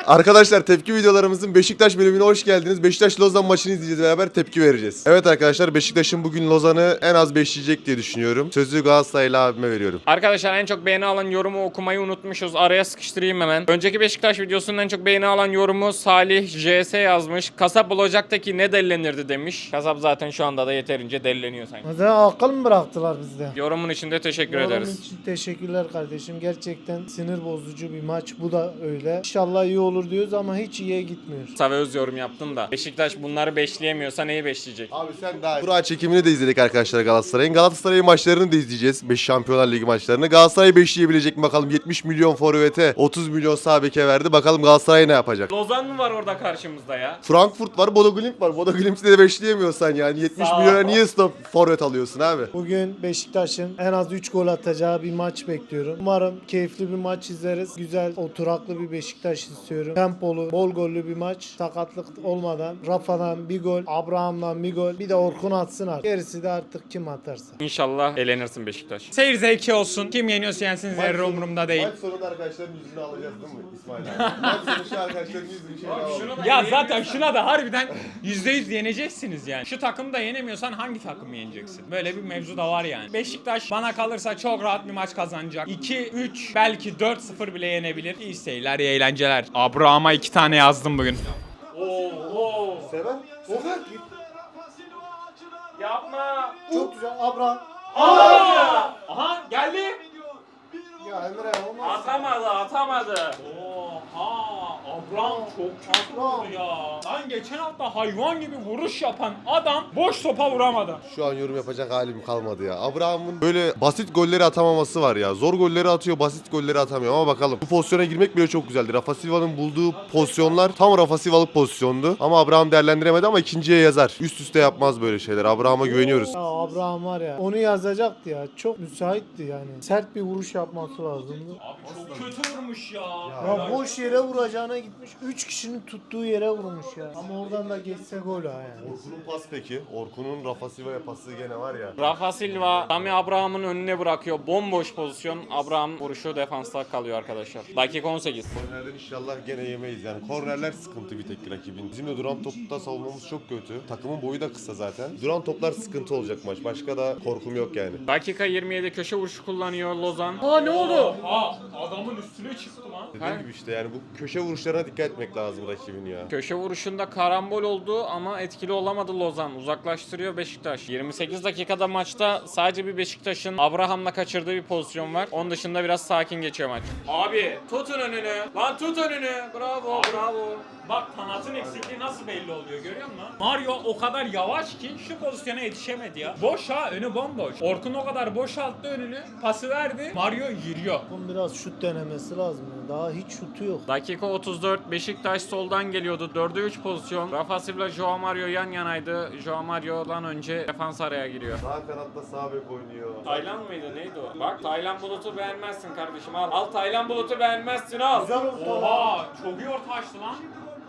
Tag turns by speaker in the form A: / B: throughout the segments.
A: Arkadaşlar tepki videolarımızın Beşiktaş bölümüne hoş geldiniz. Beşiktaş Lozan maçını izleyeceğiz, beraber tepki vereceğiz. Evet arkadaşlar, Beşiktaş'ın bugün Lozan'ı en az beşleyecek diye düşünüyorum. Sözü Galatasaraylı abime veriyorum.
B: Arkadaşlar en çok beğeni alan yorumu okumayı unutmuşuz. Araya sıkıştırayım hemen. Önceki Beşiktaş videosunun en çok beğeni alan yorumu Salih JS yazmış. Kasap olacaktaki ne dellenirdi demiş. Kasap zaten şu anda da yeterince delleniyor sanki.
C: Mesela akıl mı bıraktılar bizde?
B: Yorumun için de teşekkür
C: Yorum
B: ederiz.
C: için teşekkürler kardeşim. Gerçekten sinir bozucu bir maç. Bu da öyle. İnşallah iyi olur diyoruz ama hiç iyiye gitmiyor.
B: Kısa ve öz yorum yaptım da. Beşiktaş bunları beşleyemiyorsa neyi beşleyecek?
A: Abi sen daha Kura çekimini de izledik arkadaşlar Galatasaray'ın. Galatasaray'ın maçlarını da izleyeceğiz. 5 Şampiyonlar Ligi maçlarını. Galatasaray beşleyebilecek mi bakalım? 70 milyon forvete, 30 milyon sağ beke verdi. Bakalım Galatasaray ne yapacak?
B: Lozan mı var orada karşımızda ya?
A: Frankfurt var, Bodo Glimt var. Bodo Glimt'i de beşleyemiyorsan yani 70
B: Sağ ol.
A: milyona niye stop forvet alıyorsun abi?
C: Bugün Beşiktaş'ın en az 3 gol atacağı bir maç bekliyorum. Umarım keyifli bir maç izleriz. Güzel, oturaklı bir Beşiktaş istiyorum. Tempolu, bol gollü bir maç. Sakatlık olmadan. Rafa'dan bir gol, Abraham'dan bir gol. Bir de Orkun atsın artık. Gerisi de artık kim atarsa.
B: İnşallah elenirsin Beşiktaş.
D: Seyir zevki olsun. Kim yeniyorsa yensin, zerre umurumda değil.
A: Maç sonunda arkadaşların yüzünü alacağız değil mi İsmail abi? Maç sonu şu arkadaşların yüzünü şöyle alalım.
D: Ya zaten şuna da harbiden %100 yeneceksiniz yani. Şu takımı da yenemiyorsan hangi takımı yeneceksin? Böyle bir mevzu da var yani. Beşiktaş bana kalırsa çok rahat bir maç kazanacak. 2-3 belki 4-0 bile yenebilir. İyi seyirler, iyi eğlenceler. Abraham'a 2 tane yazdım bugün.
A: Seven? Seven.
B: Yapma.
C: Çok güzel. Abraham.
D: Aha geldi.
C: Ya Emre olmaz.
B: Atamadı.
D: Oha, Abraham çok kötü vurdu ya. Lan geçen hafta hayvan gibi vuruş yapan adam boş topa vuramadı.
A: Şu an yorum yapacak halim kalmadı ya. Abraham'ın böyle basit golleri atamaması var ya. Zor golleri atıyor, basit golleri atamıyor ama bakalım. Bu pozisyona girmek bile çok güzeldi. Rafa Silva'nın bulduğu pozisyonlar tam Rafa Silva'lık pozisyondu. Ama Abraham değerlendiremedi ama ikinciye yazar. Üst üste yapmaz böyle şeyler. Abraham'a güveniyoruz.
C: Ya Abraham var ya. Onu yazacaktı ya. Çok müsaitti yani. Sert bir vuruş yapması lazımdı.
D: Abi çok kötü vurmuş ya.
C: Ya boş yere vuracağına gitmiş. 3 kişinin tuttuğu yere vurmuş ya. Ama oradan da geçse gol ha yani.
A: Orkun'un pas peki. Orkun'un Rafa Silva'ya pası gene var ya.
B: Rafa Silva Sami Abraham'ın önüne bırakıyor. Bomboş pozisyon. Abraham vuruşu defansta kalıyor arkadaşlar. Dakika 18.
A: Kornerden inşallah gene yemeyiz yani. Kornerler sıkıntı bir tek rakibin. Bizim de duran topta savunmamız çok kötü. Takımın boyu da kısa zaten. Duran toplar sıkıntı olacak maç. Başka da korkum yok yani.
B: Dakika 27 köşe vuruşu kullanıyor Lozan.
D: Aa, adamın üstüne çıktı lan.
A: Dediğim gibi işte yani bu köşe vuruşlarına dikkat etmek lazım rakibin ya.
B: Köşe vuruşunda karambol oldu ama etkili olamadı Lozan. Uzaklaştırıyor Beşiktaş. 28 dakikada maçta sadece bir Beşiktaş'ın Abraham'la kaçırdığı bir pozisyon var. Onun dışında biraz sakin geçiyor maç. Abi tutun önünü. Lan tut önünü. Bravo bravo.
D: Bak kanatın eksikliği nasıl belli oluyor görüyor musun? Mario o kadar yavaş ki şu pozisyona yetişemedi ya. Boş ha, önü bomboş. Orkun o kadar boşalttı önünü, pası verdi. Mario yürüyor.
C: Bunun biraz şut denemesi lazım ya. Daha hiç şutu yok.
B: Dakika 34 Beşiktaş soldan geliyordu. 4'e 3 pozisyon. Rafa Silva, Joao Mario yan yanaydı. Joao Mario'dan önce defans araya giriyor.
A: Sağ kanatta sağ bek oynuyor.
B: Taylan mıydı neydi o? Bak Taylan Bulut'u beğenmezsin kardeşim al. Al Taylan Bulut'u beğenmezsin al.
C: Güzel orta.
D: Oha, çok iyi orta açtı lan.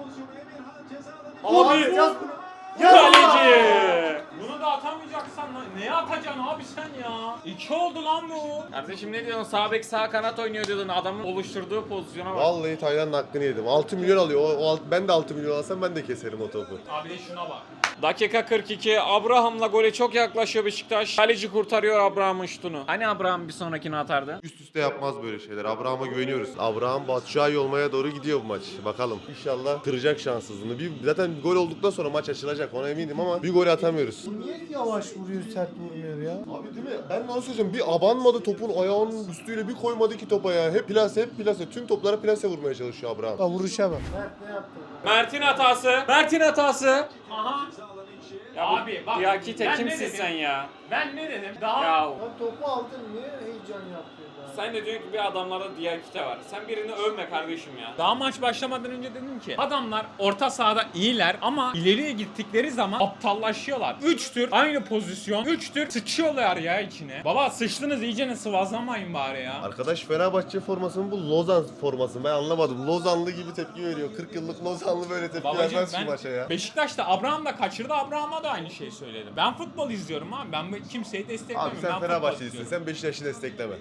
B: Abi
C: Ya!
B: kaleci.
D: Bunu da atamayacaksan neye atacaksın abi sen ya? 2 oldu lan bu.
B: Kardeşim ne diyorsun? Sağ bek sağ kanat oynuyor diyordun. Adamın oluşturduğu pozisyona bak.
A: Vallahi Taylan'ın hakkını yedim. 6 milyon alıyor. Ben de 6 milyon alsam ben de keserim o topu.
D: Abi de şuna bak.
B: Dakika 42. Abraham'la gole çok yaklaşıyor Beşiktaş. Kaleci kurtarıyor Abraham'ın şutunu. Hani Abraham bir sonrakini atardı?
A: Üst üste yapmaz böyle şeyler. Abraham'a güveniyoruz. Abraham Batshuayi olmaya doğru gidiyor bu maç. Bakalım. İnşallah kıracak şanssızlığını. Zaten gol olduktan sonra maç açılacak. Ona eminim ama bir gol atamıyoruz.
C: Niye yavaş vuruyor, sert vurmuyor ya?
A: Abi değil mi? Ben de onu söyleyeceğim. Bir abanmadı topun ayağının üstüyle bir koymadı ki topa ya. Hep plase, hep plase. Tüm toplara plase vurmaya çalışıyor Abraham.
C: Bak vuruşa bak. Mert ne yaptı?
B: Mert'in hatası. Mert'in hatası.
D: Aha.
B: Ya
D: Abi bak.
B: Diakite
D: ben ne
B: kimsin
D: dedim?
B: sen ya?
D: Ben ne dedim? Daha
B: Ya
C: Ya topu aldın niye heyecan yapıyor daha?
B: sen de diyorsun ki bir adamlarda Diakite var. Sen birini övme kardeşim ya.
D: Daha maç başlamadan önce dedim ki adamlar orta sahada iyiler ama ileriye gittikleri zaman aptallaşıyorlar. 3 tür aynı pozisyon, 3 tür sıçıyorlar ya içine. Baba sıçtınız iyicene sıvazlamayın bari ya.
A: Arkadaş Fenerbahçe forması mı bu Lozan forması mı? Ben anlamadım. Lozanlı gibi tepki veriyor. 40 yıllık Lozanlı böyle tepki
D: Babacım
A: vermez şu
D: ben
A: maça ya.
D: Beşiktaş'ta Abraham da kaçırdı, Abraham'a da aynı şeyi söyledim. Ben futbol izliyorum abi, ben kimseyi desteklemiyorum.
A: Abi sen
D: Ben futbol
A: Fenerbahçelisin.
D: izliyorum.
A: Sen Beşiktaş'ı destekleme. Sen Fenerbahçe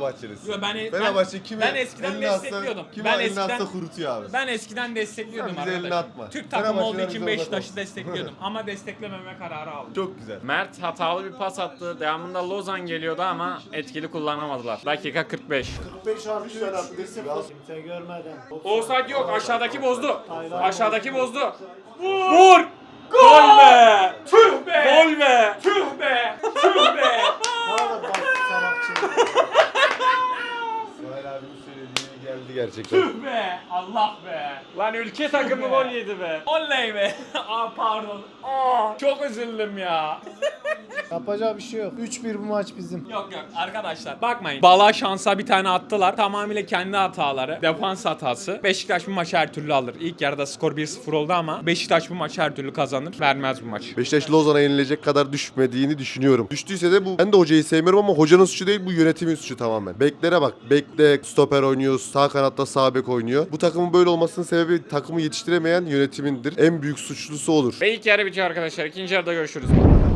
A: Fenerbahçelisin.
D: Yo,
A: Fenerbahçe kimi
D: ben eskiden
A: elini atsa-
D: destekliyordum.
A: kimi
D: Ben
A: elini atsa
D: eskiden
A: kurutuyor abi.
D: Ben eskiden destekliyordum
A: Sen bize elini
D: arkadaşım.
A: atma.
D: Türk takımı olduğu
A: Fenerbahçeler
D: için
A: bize
D: Beşiktaş'ı
A: uzak olsun.
D: destekliyordum ama desteklememe kararı aldım.
A: Çok güzel.
B: Mert hatalı bir pas attı. Devamında Lozan geliyordu ama etkili kullanamadılar. Dakika 45.
C: 45 artı 3. 1-0. Kimse görmeden.
B: Offside yok. Aşağıdaki bozdu.
C: Taylan.
B: Aşağıdaki bozdu. Vur! Gol be!
D: Tüh be!
B: Gol be!
D: Tüh be! Tüh be!
C: Ne kadar basit salakçı.
A: İsmail abinin söylediği geldi gerçekten.
D: Tüh be! Allah be!
B: Lan ülke takımı gol yedi be.
D: Oley be! Aa pardon. Aa, çok üzüldüm ya.
C: Yapacağı bir şey yok. 3-1 bu maç bizim.
D: Yok arkadaşlar bakmayın. Bala şansa bir tane attılar. Tamamıyla kendi hataları. Defans hatası. Beşiktaş bu maçı her türlü alır. İlk yarıda skor 1-0 oldu ama Beşiktaş bu maçı her türlü kazanır. Vermez bu maç.
A: Beşiktaş Lozan'a yenilecek kadar düşmediğini düşünüyorum. Düştüyse de bu, ben de hocayı sevmiyorum ama hocanın suçu değil, bu yönetimin suçu tamamen. Beklere bak. Bekle stoper oynuyor. Sağ kanatta sağ bek oynuyor. Bu takımın böyle olmasının sebebi takımı yetiştiremeyen yönetimindir. En büyük suçlusu olur.
B: Ve ilk yarı bitiyor arkadaşlar. İkinci yarıda görüşürüz.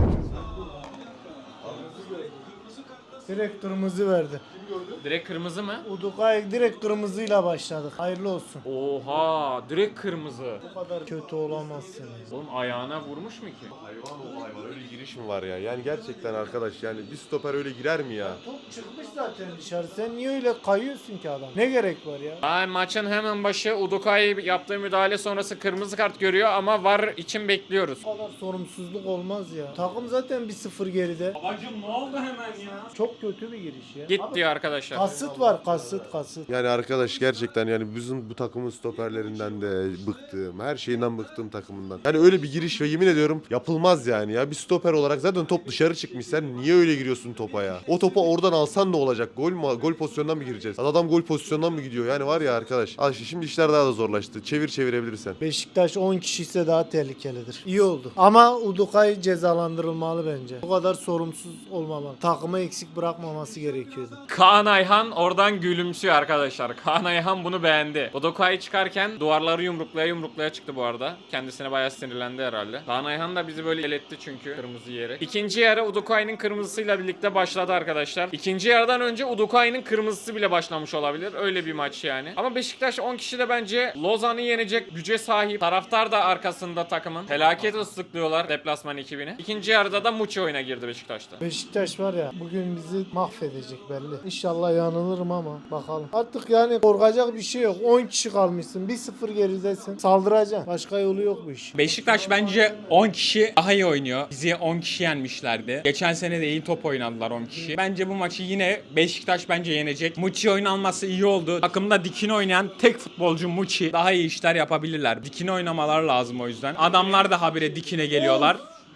C: Direkt kırmızı verdi.
B: Direkt kırmızı mı?
C: Udukay direkt kırmızıyla başladık. Hayırlı olsun.
B: Oha! Direkt kırmızı.
C: Bu kadar kötü olamazsın.
B: Oğlum ayağına vurmuş mu ki?
A: Hayvan o hayvan, öyle giriş mi var ya? Yani gerçekten arkadaş, yani bir stoper öyle girer mi ya?
C: Top çıkmış zaten dışarı. Sen niye öyle kayıyorsun ki adam? Ne gerek var ya?
B: Ay, maçın hemen başı Udukay yaptığı müdahale sonrası kırmızı kart görüyor ama VAR için bekliyoruz.
C: Bu kadar sorumsuzluk olmaz ya. Takım zaten 1-0 geride.
D: Babacım ne oldu hemen ya?
C: Çok kötü bir giriş ya.
B: Git
C: Abi,
B: diyor arkadaşlar.
C: kasıt var, kasıt.
A: Yani arkadaş gerçekten yani bizim bu takımın stoperlerinden de bıktım. Her şeyinden bıktım takımından. Yani öyle bir giriş ve yemin ediyorum yapılmaz yani ya. Bir stoper olarak zaten top dışarı çıkmış. Sen niye öyle giriyorsun topa ya? O topu oradan alsan ne olacak? Gol mü? Gol pozisyonundan mı gireceğiz? Adam gol pozisyonundan mı gidiyor? Yani var ya arkadaş. Şimdi işler daha da zorlaştı. Çevirebilirsen.
C: Beşiktaş 10 kişi ise daha tehlikelidir. İyi oldu. Ama Udukay cezalandırılmalı bence. Bu kadar sorumsuz olmamalı. Takımı eksik bırakmaması gerekiyordu.
B: Kaan Ayhan oradan gülümsüyor arkadaşlar. Kaan Ayhan bunu beğendi. Udukay çıkarken duvarları yumruklaya çıktı bu arada. Kendisine bayağı sinirlendi herhalde. Kaan Ayhan da bizi böyle eletti çünkü kırmızı yiyerek. İkinci yarı Udukay'ın kırmızısıyla birlikte başladı arkadaşlar. İkinci yarıdan önce Udukay'ın kırmızısı bile başlamış olabilir. Öyle bir maç yani. Ama Beşiktaş 10 kişi de bence Lozan'ı yenecek güce sahip. Taraftar da arkasında takımın. Felaket ıslıklıyorlar deplasman ekibini. İkinci yarıda da Muçi oyuna girdi Beşiktaş'ta.
C: Beşiktaş var ya bugün bizi mahvedecek belli. İnşallah yanılırım ama bakalım. Artık yani korkacak bir şey yok. 10 kişi kalmışsın. 1-0 geridesin. Saldıracaksın. Başka yolu yok bu iş.
D: Beşiktaş bence 10 kişi daha iyi oynuyor. Bizi 10 kişi yenmişlerdi. Geçen sene de iyi top oynadılar 10 kişi. Bence bu maçı yine Beşiktaş bence yenecek. Muçi oynanması iyi oldu. Takımda dikine oynayan tek futbolcu Muçi. Daha iyi işler yapabilirler. Dikine oynamalar lazım o yüzden. Adamlar da habire dikine geliyorlar.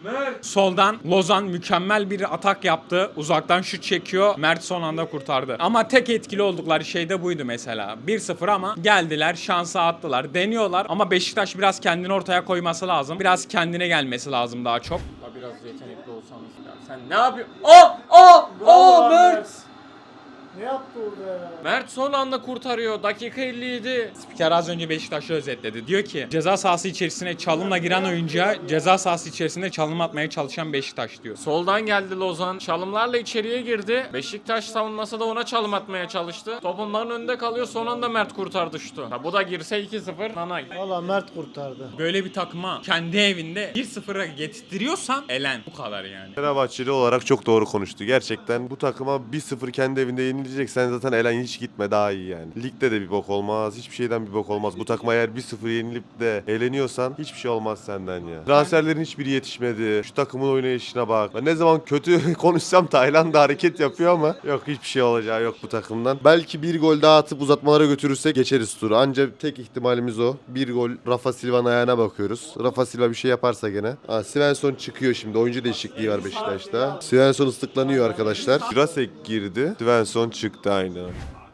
D: Soldan Lozan mükemmel bir atak yaptı. Uzaktan şut çekiyor. Mert son anda kurtardı. Ama tek etkili oldukları şey de buydu mesela. 1-0 ama geldiler, şansa attılar. Deniyorlar ama Beşiktaş biraz kendini ortaya koyması lazım. Biraz kendine gelmesi lazım daha çok.
B: Biraz yetenekli olsanız ya. Sen ne yapıyorsun? Aa Mert!
C: Ne yaptı orada ya?
B: Mert son anda kurtarıyor. Dakika 57.
D: Spiker az önce Beşiktaş'ı özetledi. Diyor ki ceza sahası içerisine çalımla giren oyuncuya ceza sahası içerisinde çalım atmaya çalışan Beşiktaş diyor.
B: Soldan geldi Lozan. Çalımlarla içeriye girdi. Beşiktaş savunması da ona çalım atmaya çalıştı. Top onların önünde kalıyor. Son anda Mert kurtardı şutu. Ha, bu da girse 2-0 nanay.
C: Valla Mert kurtardı.
D: Böyle bir takıma kendi evinde 1-0'a getirtiyorsan elen. Bu kadar yani.
A: Fenerbahçeli olarak çok doğru konuştu. Gerçekten bu takıma 1-0 kendi evinde yenileceksen zaten elen hiç gitme, daha iyi yani. Ligde de bir bok olmaz. Hiçbir şeyden bir bok olmaz. Bu takıma eğer 1-0 yenilip de eğleniyorsan hiçbir şey olmaz senden ya. Transferlerin hiçbiri yetişmedi. Şu takımın oynayışına bak. Ben ne zaman kötü konuşsam Tayland da hareket yapıyor ama yok, hiçbir şey olacağı yok bu takımdan. Belki bir gol daha atıp uzatmalara götürürsek geçeriz turu. Ancak tek ihtimalimiz o. Bir gol, Rafa Silva'nın ayağına bakıyoruz. Rafa Silva bir şey yaparsa gene. Svensson çıkıyor şimdi. Oyuncu değişikliği var Beşiktaş'ta. Svensson ıslıklanıyor arkadaşlar. Jurasek girdi. Svensson çıktı aynen.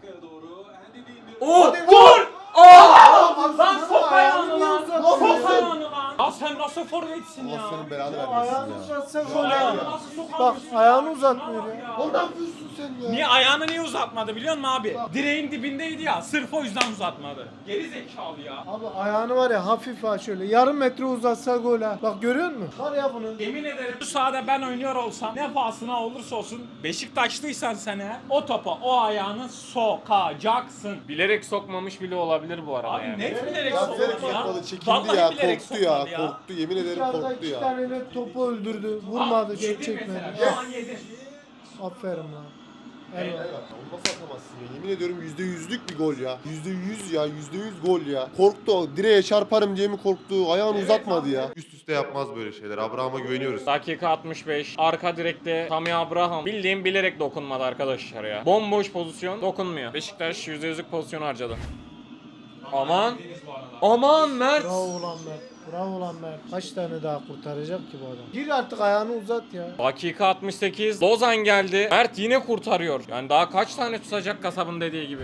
D: Vur! Lan top ayağını lan! Top ayağını lan! Ya sen nasıl forvetsin ya?
A: belanı
C: Ayağını uzatsa gol
D: Ayağını
C: ya.
D: nasıl
C: Bak
D: sokamıyorsun?
C: ayağını uzatmıyor ya.
A: Ne yapıyorsun
C: sen ya?
D: Niye ayağını niye uzatmadı biliyor musun abi? Direğin dibindeydi ya. Sırf o yüzden uzatmadı. Geri zekalı ya.
C: Abi ayağını var ya hafif ha şöyle yarım metre uzatsa gol ha. Bak görüyor musun? Var ya bunu.
D: Yemin ederim bu sahada ben oynuyor olsam ne pahasına olursa olsun Beşiktaşlıysan sen eğer o topa o ayağını sokacaksın.
B: Bilerek sokmamış bile olabilir bu arada
D: Abi
B: yani.
D: net bilerek
A: Ya
D: sokmadı
A: bilerek
D: ya.
A: sokmadı, çekindi
D: Vallahi
A: ya,
D: bilerek
A: korktu ya,
D: sokmadı
A: korktu. Yemin ederim
C: Dışarıda
A: korktu
C: 2
A: ya.
C: tane net topu öldürdü. Vurmadı, şut
D: Yedi
C: çekmedi.
D: mesela. Şu an yedi.
C: Aferin lan. Helal.
A: Onu nasıl atamazsın ya? Yemin ediyorum %100'lük bir gol ya. %100 ya, %100 gol ya. Korktu o. Direğe çarparım diye mi korktu? Ayağını uzatmadı ya. Üst üste yapmaz böyle şeyler. Abraham'a güveniyoruz.
B: Dakika 65. Arka direkte Tammy Abraham. Bildiğim bilerek dokunmadı arkadaşlar ya. Bomboş pozisyon dokunmuyor. Beşiktaş %100'lük pozisyon harcadı. Aman. Aman Mert.
C: Bravo lan Mert. Bravo lan Mert. Kaç tane daha kurtaracak ki bu adam? Gir artık ayağını uzat ya.
B: Dakika 68. Lozan geldi. Mert yine kurtarıyor. Yani daha kaç tane tutacak kasabın dediği gibi.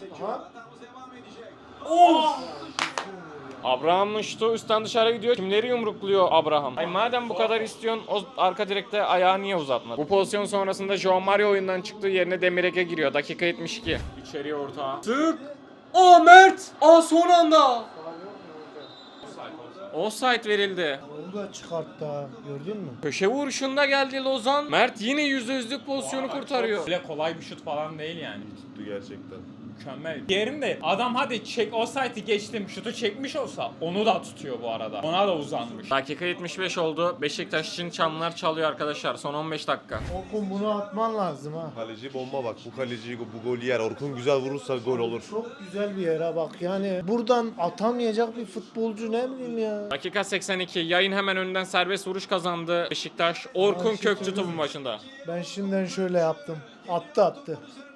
B: Abraham'ın şutu üstten dışarı gidiyor. Kimleri yumrukluyor Abraham? Ay madem bu kadar istiyorsun o arka direkte ayağı niye uzatmadın? Bu pozisyon sonrasında João Mario oyundan çıktığı yerine Demirege giriyor. Dakika 72. İçeriye ortağa. Sık. O Mert. Son anda. Offside verildi.
C: Onu da çıkarttı ha. Gördün mü?
B: Köşe vuruşunda geldi Lozan. Mert yine %100'lük pozisyonu kurtarıyor.
D: Öyle kolay bir şut falan değil yani.
A: Tuttu gerçekten.
D: Mükemmel. Diğerinde adam hadi çek o site'i geçtim şutu çekmiş olsa onu da tutuyor bu arada. Ona da uzanmış.
B: Dakika 75 oldu. Beşiktaş için çanlar çalıyor arkadaşlar. Son 15 dakika.
C: Orkun bunu atman lazım ha.
A: Kaleci bomba bak. Bu kaleci bu golü yer. Orkun güzel vurursa gol olur.
C: Çok güzel bir yere bak yani buradan atamayacak bir futbolcu ne bileyim ya.
B: Dakika 82. Yayın hemen önünden serbest vuruş kazandı Beşiktaş. Orkun Kökçü topun başında.
C: Ben şimdiden şöyle yaptım. Attı.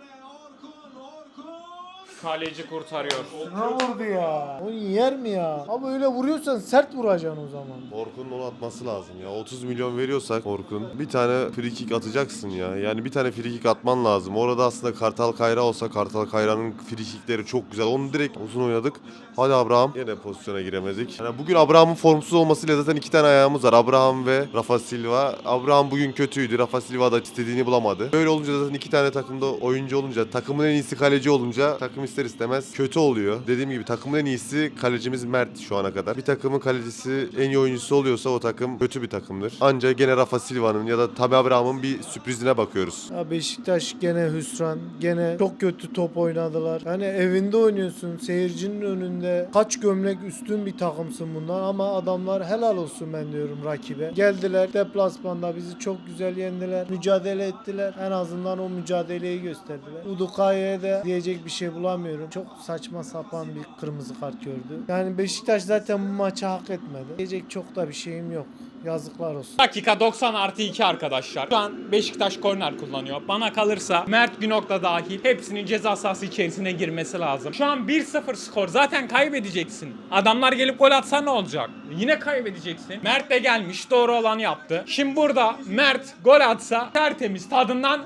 B: Kaleci kurtarıyor.
C: Ne vurdu ya? O yer mi ya? Ama öyle vuruyorsan sert vuracaksın o zaman.
A: Orkun'un onu atması lazım ya. 30 milyon veriyorsak Orkun bir tane free kick atacaksın ya. Yani bir tane free kick atman lazım. Orada aslında Kartal Kayra olsa Kartal Kayra'nın free kickleri çok güzel. Onu direkt uzun oynadık. Hadi Abraham. Yine pozisyona giremedik. Yani bugün Abraham'ın formsuz olmasıyla zaten 2 tane ayağımız var. Abraham ve Rafa Silva. Abraham bugün kötüydü. Rafa Silva da istediğini bulamadı. Böyle olunca zaten 2 tane takımda oyuncu olunca, takımın en iyisi kaleci olunca takım ister istemez kötü oluyor. Dediğim gibi takımın en iyisi kalecimiz Mert şu ana kadar. Bir takımın kalecisi en iyi oyuncusu oluyorsa o takım kötü bir takımdır. Ancak gene Rafa Silva'nın ya da Tammy Abraham'ın bir sürprizine bakıyoruz.
C: Ya Beşiktaş gene hüsran. Gene çok kötü top oynadılar. Yani evinde oynuyorsun. Seyircinin önünde. Kaç gömlek üstün bir takımsın bundan ama adamlar helal olsun ben diyorum rakibe. Geldiler deplasmanda bizi çok güzel yendiler. Mücadele ettiler. En azından o mücadeleyi gösterdiler. Udukaya'ya da diyecek bir şey bulamıyorum. Çok saçma sapan bir kırmızı kart gördü. Yani Beşiktaş zaten bu maçı hak etmedi. Diyecek çok da bir şeyim yok. Yazıklar olsun.
D: Dakika 90 artı 2 arkadaşlar. Şu an Beşiktaş korner kullanıyor. Bana kalırsa Mert Günok'la dahil hepsinin ceza sahası içerisine girmesi lazım. Şu an 1-0 skor. Zaten kaybedeceksin. Adamlar gelip gol atsa ne olacak? Yine kaybedeceksin. Mert de gelmiş. Doğru olanı yaptı. Şimdi burada Mert gol atsa tertemiz tadından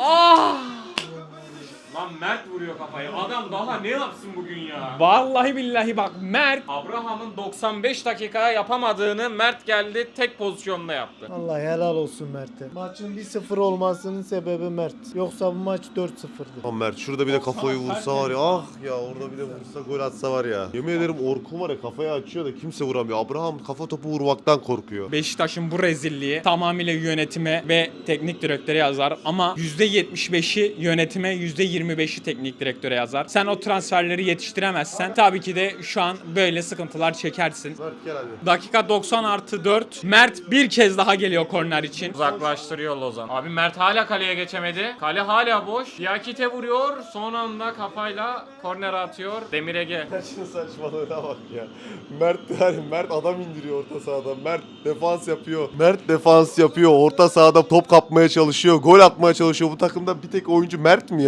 B: Lan Mert vuruyor kafayı. Adam daha ne yapsın bugün ya?
D: vallahi billahi bak Mert
B: Abraham'ın 95 dakikaya yapamadığını Mert geldi tek pozisyonda yaptı.
C: Vallahi helal olsun Mert'e. Maçın 1-0 olmasının sebebi Mert. Yoksa bu maç 4-0'dı.
A: Aman Mert şurada bir de kafayı vursa var ya. Ah ya orada bir de vursa gol atsa var ya. Yemin ederim Orkun var ya kafayı açıyor da kimse vuramıyor. Abraham kafa topu vurmaktan korkuyor.
D: Beşiktaş'ın bu rezilliği tamamıyla yönetime ve teknik direktöre yazar ama %75'i yönetime, %25'i teknik direktöre yazar. Sen o transferleri yetiştiremezsen tabii ki de şu an böyle sıkıntılar çekersin.
A: Mert gel hadi.
D: Dakika 90 artı 4. Mert bir kez daha geliyor korner için.
B: Uzaklaştırıyor Lozan. Abi Mert hala kaleye geçemedi. Kale hala boş. Diakite vuruyor. Son anda kafayla korner atıyor. Demirege.
A: Şunun saçmalığına bak ya. Mert adam indiriyor orta sahada. Mert defans yapıyor. Mert defans yapıyor. Orta sahada top kapmaya çalışıyor. Gol atmaya çalışıyor. Bu takımda bir tek oyuncu Mert mi ya? Ya harbi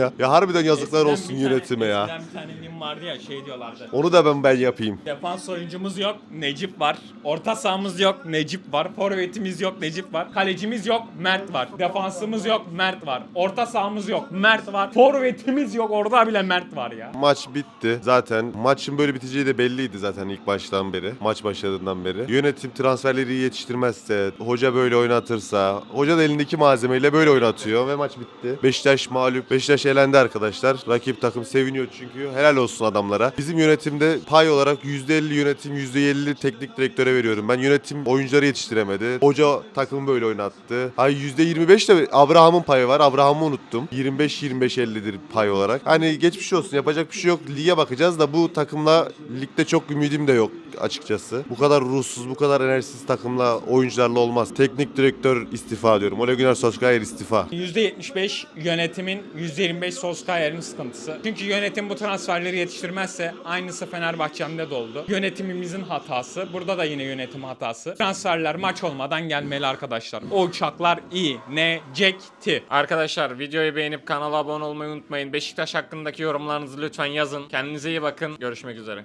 A: Harbiden yazıklar
D: Eskiden
A: olsun
D: bir tane-
A: yönetime ya.
D: Eskiden bir tane meme vardı ya şey diyorlardı.
A: Onu da ben yapayım.
D: Defans oyuncumuz yok, Necip var. Orta sahamız yok, Necip var. Forvetimiz yok, Necip var. Kalecimiz yok, Mert var. Defansımız yok, Mert var. Orta sahamız yok, Mert var. Forvetimiz yok, orada bile Mert var ya.
A: Maç bitti. Zaten maçın böyle biteceği de belliydi zaten ilk baştan beri. Maç başladığından beri. Yönetim transferleri iyi yetiştirmezse, hoca böyle oynatırsa, hoca da elindeki malzemeyle böyle oynatıyor ve maç bitti. Beşiktaş mağlup. Beşiktaş elendi arkadaşlar. Rakip takım seviniyor çünkü. Helal olsun adamlara. Bizim yönetimde pay olarak %50 yönetim, %50 teknik direktöre veriyorum. Ben yönetim oyuncuları yetiştiremedi. Hoca takımı böyle oynattı. Hay %25 de Abraham'ın payı var. Abraham'ı unuttum. 25-25-50'dir pay olarak. Hani geçmiş olsun. Yapacak bir şey yok. Lige bakacağız da bu takımla ligde çok ümidim de yok açıkçası. Bu kadar ruhsuz, bu kadar enerjisiz takımla, oyuncularla olmaz. Teknik direktör istifa diyorum. Ole Gunnar Solskjaer istifa.
D: %75 yönetimin, %25 Solskjaer'in sıkıntısı. Çünkü yönetim bu transferleri yetiştirmezse aynısı Fenerbahçe'mde de oldu. Yönetimimizin hatası. Burada da yine yönetim hatası. Transferler maç olmadan gelmeli arkadaşlar. O uçaklar inecekti.
B: Arkadaşlar videoyu beğenip kanala abone olmayı unutmayın. Beşiktaş hakkındaki yorumlarınızı lütfen yazın. Kendinize iyi bakın. Görüşmek üzere.